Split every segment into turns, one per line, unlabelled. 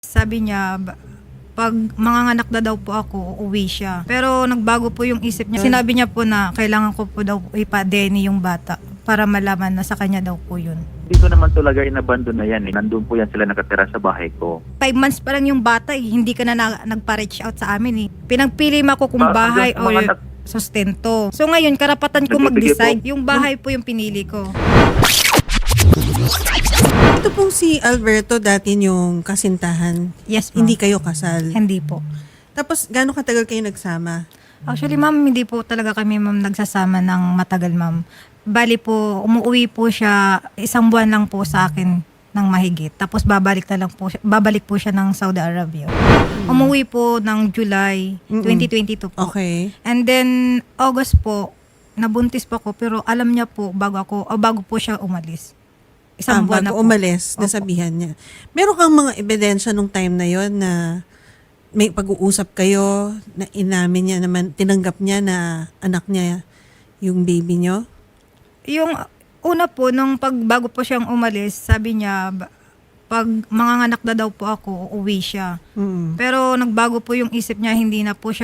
Sabi niya, pag manganganak na daw po ako, uuwi siya. Pero nagbago po yung isip niya. Sinabi niya po na kailangan ko po daw ipa-DNA yung bata para malaman na sa kanya daw po yun.
Hindi ko naman talaga inabandon na yan. Nandun po yan sila nakatira sa bahay ko.
5 months pa lang yung bata hindi ka na nagpa-reach out sa amin Pinagpili mo ako kung bahay o sustento. So ngayon, karapatan ko mag-decide. Yung bahay po yung pinili ko.
Ito pong si Alberto dati yung kasintahan.
Yes, ma'am.
Hindi kayo kasal.
Hindi po.
Tapos, gaano katagal kayo nagsama?
Actually, ma'am, hindi po talaga kami, ma'am, nagsasama ng matagal, ma'am. Bali po, umuwi po siya, 1 buwan lang po sa akin ng mahigit. Tapos babalik po siya ng Saudi Arabia. Umuwi po ng July 2022 po.
Okay.
And then, August po, nabuntis po ako, pero alam niya po bago po siya umalis. 1 buwan na
Bago
po.
umalis,
Opo.
nasabihan niya. Meron kang mga ebidensya nung time na yon na may pag-uusap kayo, na inamin niya naman, tinanggap niya na anak niya yung baby niyo?
Yung una po, bago po siyang umalis, sabi niya, pag manganganak na daw po ako, uuwi siya.
Mm.
Pero nagbago po yung isip niya, hindi na po siya,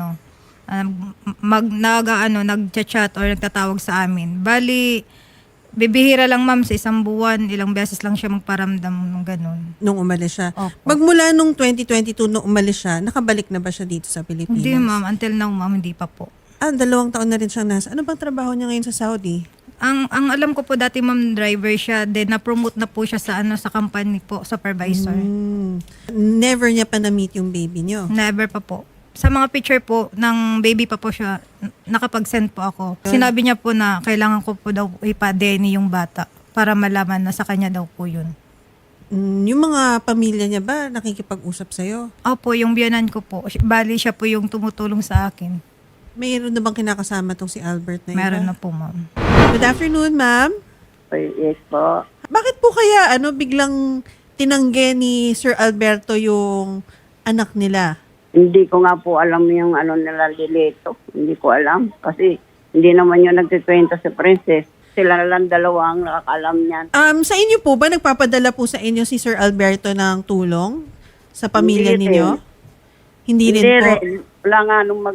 nag-chat or nagtatawag sa amin. Bali, bibihira lang, ma'am, sa 1 buwan, ilang beses lang siya magparamdam ng ganun.
Nung umalis siya.
Opo.
Magmula nung 2022 nung umalis siya, nakabalik na ba siya dito sa Pilipinas?
Hindi, ma'am, until now, ma'am, hindi pa po.
2 taon na rin siyang nasa. Ano bang trabaho niya ngayon sa Saudi?
Ang alam ko po dati, ma'am, driver siya, then na-promote na po siya sa company po, supervisor.
Never niya pa na-meet yung baby niyo.
Never pa po. Sa mga picture po, ng baby pa po siya, nakapag-send po ako. Sinabi niya po na kailangan ko po daw ipa-DNA yung bata para malaman na sa kanya daw po yun.
Yung mga pamilya niya ba nakikipag-usap sa'yo?
Opo, yung biyanan ko po. Bali, siya po yung tumutulong sa akin.
Mayroon na bang kinakasama tong si Albert na yun?
Meron na po, ma'am.
Good afternoon, ma'am.
Yes po.
Bakit po kaya biglang tinanggi ni Sir Alberto yung anak nila?
Hindi ko nga po alam yung nila Lilito. Hindi ko alam. Kasi hindi naman yung nagkikwento si Princess. Sila na lang 2 ang nakakalam niyan.
Sa inyo po ba nagpapadala po sa inyo si Sir Alberto ng tulong sa pamilya
Hindi
ninyo? Hindi rin po.
Wala nga nung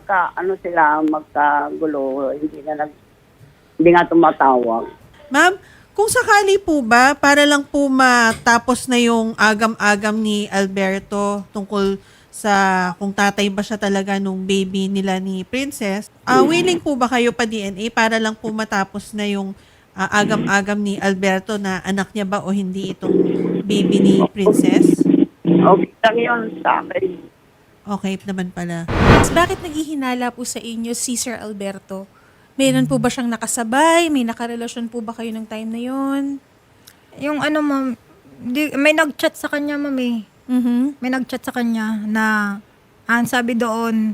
magkagulo. Hindi nga tumatawag.
Ma'am, kung sakali po ba, para lang po matapos na yung agam-agam ni Alberto tungkol sa kung tatay ba siya talaga nung baby nila ni Princess, willing po ba kayo pa DNA para lang po matapos na yung agam-agam ni Alberto na anak niya ba o hindi itong baby ni Princess?
Okay lang yun sa akin.
Okay naman pala.
Bakit naghihinala po sa inyo si Sir Alberto? Meron po ba siyang nakasabay? May nakarelasyon po ba kayo ng time na yon?
Yung ma'am, may nag-chat sa kanya, ma'am eh. May nag-chat sa kanya na ang sabi doon,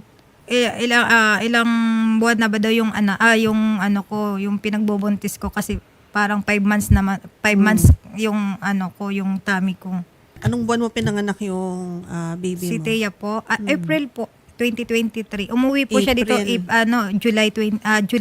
ilang buwan na ba daw yung yung pinagbubuntis ko kasi parang 5 months naman, 5 months yung yung tummy ko.
Anong buwan mo pinanganak yung baby
Si
mo?
Thea po, April po 2023. Umuwi po siya dito July 22.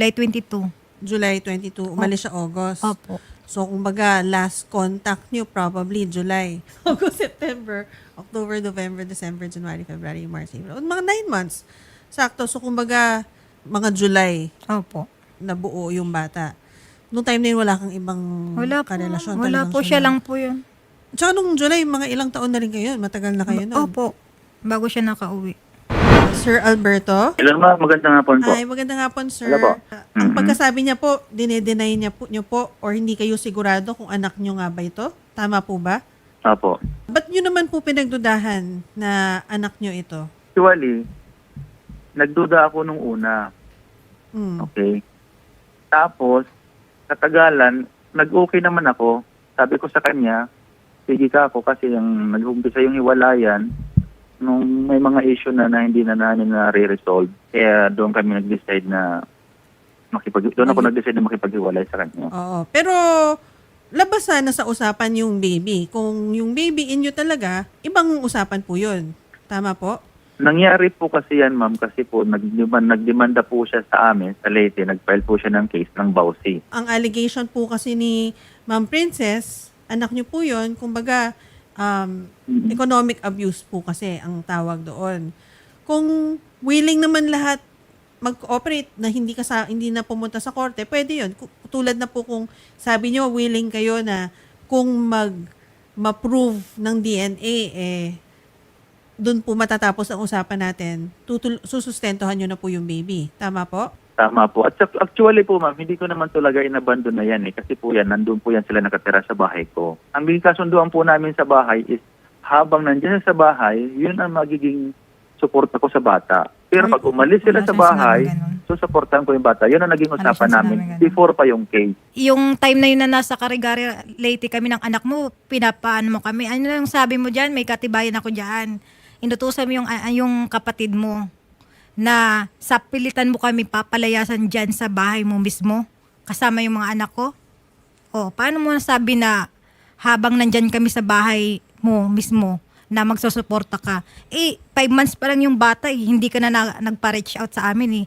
July 22. Umalis siya August.
Opo.
So, kumbaga, last contact niyo probably July. August, September, October, November, December, January, February, March, April. Mga 9 months. Sakto. So, kumbaga, mga July
Opo.
nabuo yung bata. Noong time na yun, wala kang ibang karelasyon.
Wala
Talagang
po siya lang po yun.
Tsaka nung July, mga ilang taon na rin kayo. Matagal na kayo nun.
Opo. Bago siya nakauwi.
Sir Alberto?
Hello ma'am, magandang hapon po.
Ay, magandang hapon, sir.
Hello po.
Ang pagkasabi niya po, dinedenay niyo po or hindi kayo sigurado kung anak niyo nga ba ito? Tama po ba?
Apo.
Ba't niyo naman po pinagdudahan na anak niyo ito?
Actually, nagduda ako nung una. Okay. Tapos, katagalan, nag-okay naman ako. Sabi ko sa kanya, sige ka ako kasi yung nag-umpisa yung hiwalayan nung may mga issue na hindi na namin na-resolve. Kaya doon kami nag-decide na nag-decide na makipaghiwalay sa kanya.
Oo. Pero, labasan na sa usapan yung baby. Kung yung baby inyo talaga, ibang usapan po yun. Tama po?
Nangyari po kasi yan, ma'am, kasi po nagdemanda po siya sa amin sa Leyte. Nag-file po siya ng case ng Bausi.
Ang allegation po kasi ni Ma'am Princess, anak niyo po yun, kumbaga, economic abuse po kasi ang tawag doon. Kung willing naman lahat mag-cooperate na hindi na pumunta sa korte, pwede 'yun. Tulad na po kung sabi niyo willing kayo na kung ma-prove ng DNA doon po matatapos ang usapan natin. Susustentuhan niyo na po yung baby. Tama po?
Tama po. At actually po ma'am, hindi ko naman talaga inabandon na yan kasi po yan, nandun po yan sila nakatira sa bahay ko. Ang kasunduan po namin sa bahay is habang nandiyan sa bahay, yun ang magiging suporta ko sa bata. Pero pag umalis sila
wala
sa
siyang
bahay,
sinabing ganun.
susuportahan ko yung bata. Yun ang naging
Wala
usapan
siyang
namin
sinabing ganun.
before pa yung case.
Yung time na yun na nasa Carigari Leyte kami ng anak mo, pinapaano mo kami. Ano lang sabi mo dyan? May katibayan ako dyan. Inutusan mo yung kapatid mo na sa pilitan mo kami papalayasan dyan sa bahay mo mismo kasama yung mga anak ko. O, paano mo nasabi na habang nandyan kami sa bahay mo mismo na magsusuporta ka? 5 months pa lang yung bata hindi ka na nagpa-reach out sa amin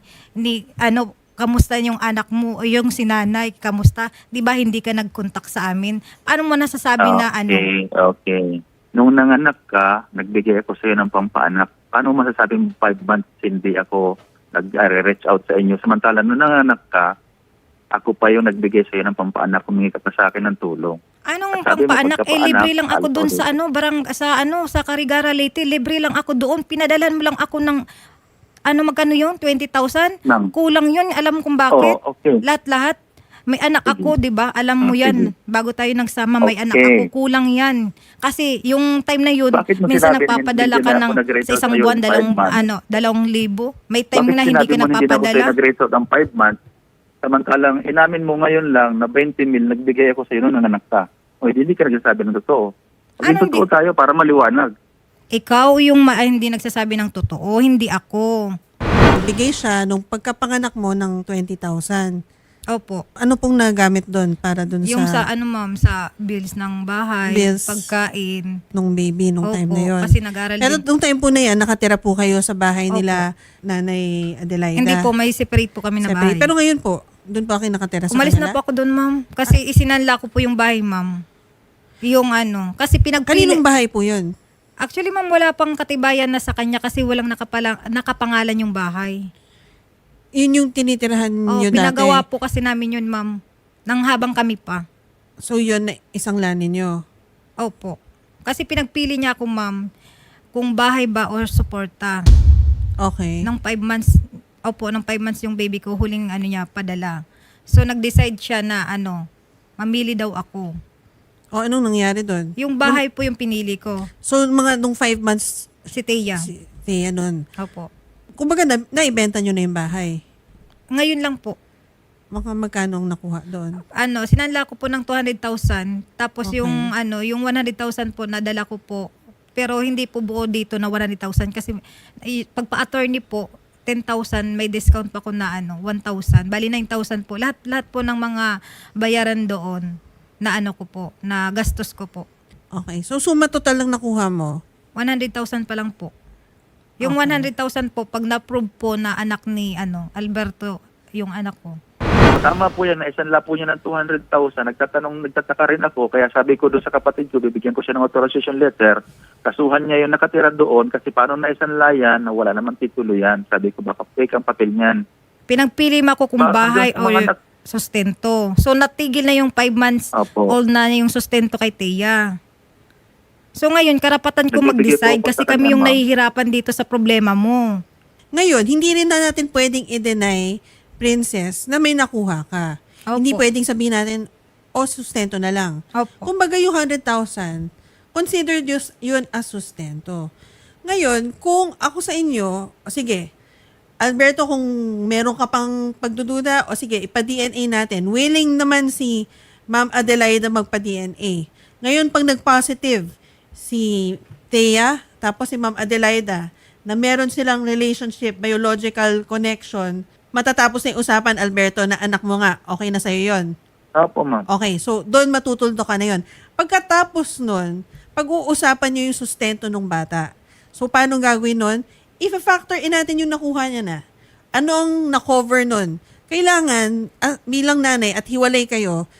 kamusta yung anak mo o yung sinanay, kamusta? 'Di ba hindi ka nag-contact sa amin? Paano mo nasasabi na
Okay. Nung nanganak ka, nagbigay ako sa iyo ng pampaanak. Paano masasabing 5 months hindi ako nag-reach out sa inyo? Samantala, nung nanganak ka, ako pa yung nagbigay sa iyo ng pampaanak, humingi ka pa sa akin ng tulong.
Anong
Sabi mo,
pampaanak?
pagkapaanak,
Libre lang ako doon
alcohol.
sa Carigara Leyte. Libre lang ako doon. Pinadalan mo lang ako ng magkano yun? 20,000?
Nang-
Kulang yun. Alam mo kung bakit?
Oo, okay.
Lahat-lahat. May anak ako, di ba? Alam mo
Ah,
yan.
sige.
Bago tayo nagsama, may
Okay.
anak ako. Kulang yan. Kasi yung time na yun,
Bakit mo
minsan
sinabi
nagpapadala
hindi
ka
na
ng
ako nag-reach
sa
out
isang
sa'yo
buwan,
ng 5 months?
2,000. May time
Bakit
na hindi
sinabi
ka
mo hindi na ako sa'yo
napapadala.
nag-reach out ng 5 months? Samantalang inamin mo ngayon lang na 20 mil nagbigay ako sa iyo nung nanganak ka. O hindi ka nagsasabi ng totoo. Maging
Anong
totoo tayo para maliwanag.
Ikaw yung hindi nagsasabi ng totoo, hindi ako.
Bigay siya nung pagkapanganak mo ng 20,000.
Opo.
Ano pong nagamit doon para doon
Yung
sa
ma'am, sa bills ng bahay,
Bills.
pagkain.
nung baby nung time na yon?
Kasi nag-aral
Pero
din.
nung time po na yan, nakatira po kayo sa bahay
Opo.
nila Nanay Adelaida.
Hindi po, may separate po kami na
Separate.
bahay.
Pero ngayon po, doon po kayo nakatira sa
Umalis
kanila?
na po ako doon, ma'am. Kasi isinanla ko po yung bahay, ma'am. Yung kasi pinagpili.
Kaninong bahay po yun?
Actually, ma'am, wala pang katibayan na sa kanya kasi walang nakapangalan yung bahay.
Yun yung tinitirahan nyo dati?
Pinagawa po kasi namin yun, ma'am. Nang habang kami pa.
So yun, isang lani nyo?
Opo. Kasi pinagpili niya ako, ma'am, kung bahay ba or suporta.
Okay.
Nang 5 months, ng 5 months yung baby ko, huling niya, padala. So, nag-decide siya na mamili daw ako.
O anong nangyari doon?
Yung bahay po yung pinili ko.
So mga nung 5 months,
Si Teya.
si Thea nun.
Opo.
Kumbaga, naibenta nyo na yung bahay.
Ngayon lang po.
Magkano ang nakuha doon?
Sinanla ko po ng 200,000. Tapos
Okay.
yung 100,000 po, nadala ko po. Pero hindi po buo dito na 100,000. Kasi pagpa-attorney po, 10,000, may discount pa ko na 1,000. Bali 9,000 po. Lahat po ng mga bayaran doon na ko po, na gastos ko po.
Okay. So suma total lang nakuha mo?
100,000 pa lang po. Yung
Okay.
100,000 po, pag na-prove po na anak ni Alberto, yung anak ko.
Tama po yan, naisanla po niya ng 200,000. Nagtataka rin ako, kaya sabi ko doon sa kapatid ko, bibigyan ko siya ng authorization letter. Kasuhan niya yung nakatira doon kasi paano naisanla yan na wala naman titulo yan. Sabi ko, baka fake ang papel niyan.
Pinagpili mo ako kung bahay
Hanggang sa
o
mga
sustento. So, natigil na yung 5 months
Opo.
old na yung sustento kay Teya. So, ngayon, karapatan ko
Nagbibigay
mag-decide
po ako
kasi
sa
kami
kanya,
yung
ma'am.
nahihirapan dito sa problema mo.
Ngayon, hindi rin na natin pwedeng i-deny, Princess, na may nakuha ka.
Opo.
Hindi pwedeng sabihin natin, sustento na lang.
Opo.
Kumbaga yung 100,000, consider yun as sustento. Ngayon, kung ako sa inyo, sige, Alberto, kung meron ka pang pagdududa, sige, ipa-DNA natin. Willing naman si Ma'am Adelaida magpa-DNA. Ngayon, pag nag-positive si Thea, tapos si Ma'am Adelaida, na meron silang relationship, biological connection, matatapos na yung usapan, Alberto, na anak mo nga, okay na sa'yo yun.
Opo, ma'am.
Okay, so doon matutuldo ka na yun. Pagkatapos nun, pag-uusapan nyo yung sustento ng bata. So paano gagawin nun? If-factor in natin yung nakuha niya na. Ano ang na-cover nun? Kailangan, bilang nanay at hiwalay kayo,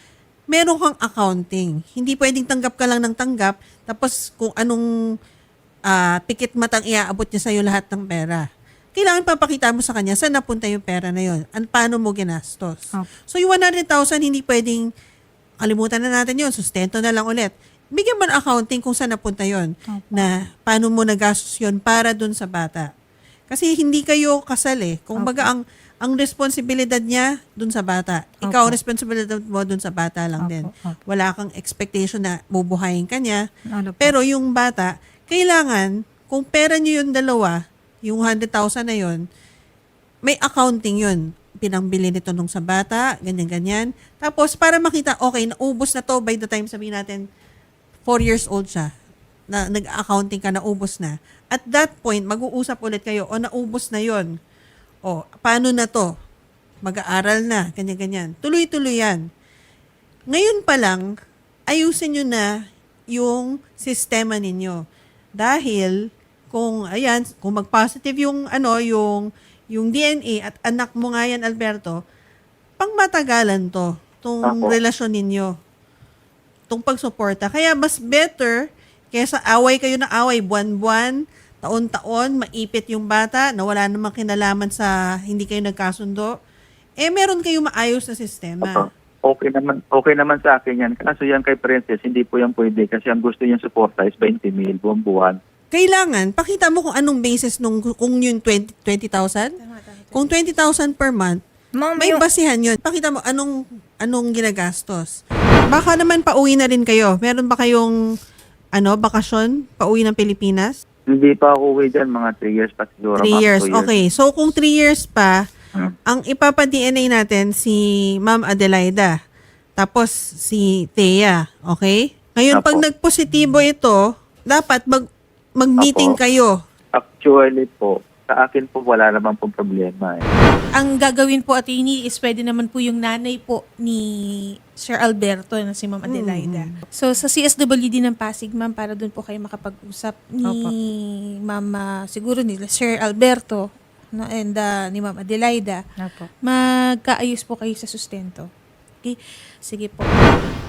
meron kang accounting. Hindi pwedeng tanggap ka lang ng tanggap, tapos kung anong pikit matang iaabot niya sa'yo lahat ng pera. Kailangan papakita mo sa kanya saan napunta yung pera na yun. Paano mo ginastos.
Opo.
So yung 100,000, hindi pwedeng kalimutan na natin yun, sustento na lang ulit. Bigyan mo ng accounting kung saan napunta yun.
Opo.
Na paano mo nagastos yun para dun sa bata. Kasi hindi kayo kasal eh. Kung baga ang responsibilidad niya dun sa bata. Ikaw,
Opo.
responsibilidad mo dun sa bata lang
Opo,
din.
opo.
Wala kang expectation na bubuhayin ka niya.
Ano po?
Pero yung bata, kailangan, kung pera niyo yung dalawa, yung 100,000 na yun, may accounting yun. Pinangbili nito nung sa bata, ganyan-ganyan. Tapos, para makita, okay, naubos na to by the time sabihin natin, 4 years old siya, na nag-accounting ka, naubos na. At that point, mag-uusap ulit kayo, o naubos na yon. O, paano na to? Mag-aaral na, ganyan-ganyan. Tuloy-tuloy yan. Ngayon pa lang, ayusin nyo na yung sistema ninyo. Dahil, kung mag-positive yung DNA at anak mo nga yan, Alberto, pang matagalan tong
Opo.
relasyon ninyo. Tong pagsuporta. Kaya mas better, kaysa away kayo na away, buwan-buwan, taon-taon, maipit yung bata, na wala namang kinalaman sa hindi kayo nagkasundo, meron kayong maayos na sistema.
Opo. Okay naman sa akin yan. Kaso yan kay Princess, hindi po yan pwede kasi ang gusto niyang suporta is 20,000 buwan-buwan.
Kailangan, pakita mo kung anong basis kung yung 20,000? Kung 20,000 per month,
Ma'am,
may
yung,
basihan yun. Pakita mo anong ginagastos. Baka naman pauwi na rin kayo. Meron ba kayong bakasyon? Pauwi ng Pilipinas?
Hindi pa ako uwi dyan, mga 3 years pa siguro.
3
mga
years.
2 years.
Okay. So, kung 3 years pa,
Hmm.
ang ipapa-DNA natin si Ma'am Adelaida. Tapos si Thea. Okay? Ngayon,
Apo.
pag nagpositibo ito, dapat mag-meeting
Apo.
kayo.
Actually po, sa akin po wala naman pong problema eh.
Ang gagawin po, attorney, is pwede naman po yung nanay po ni Sir Alberto na si Ma'am Adelaida. So, sa CSWD ng Pasig, ma'am, para doon po kayo makapag-usap ni Ma'am, siguro nila Sir Alberto, no, and ni Ma'am Adelaida,
Opo.
magkaayos po kayo sa sustento. Okay? Sige po.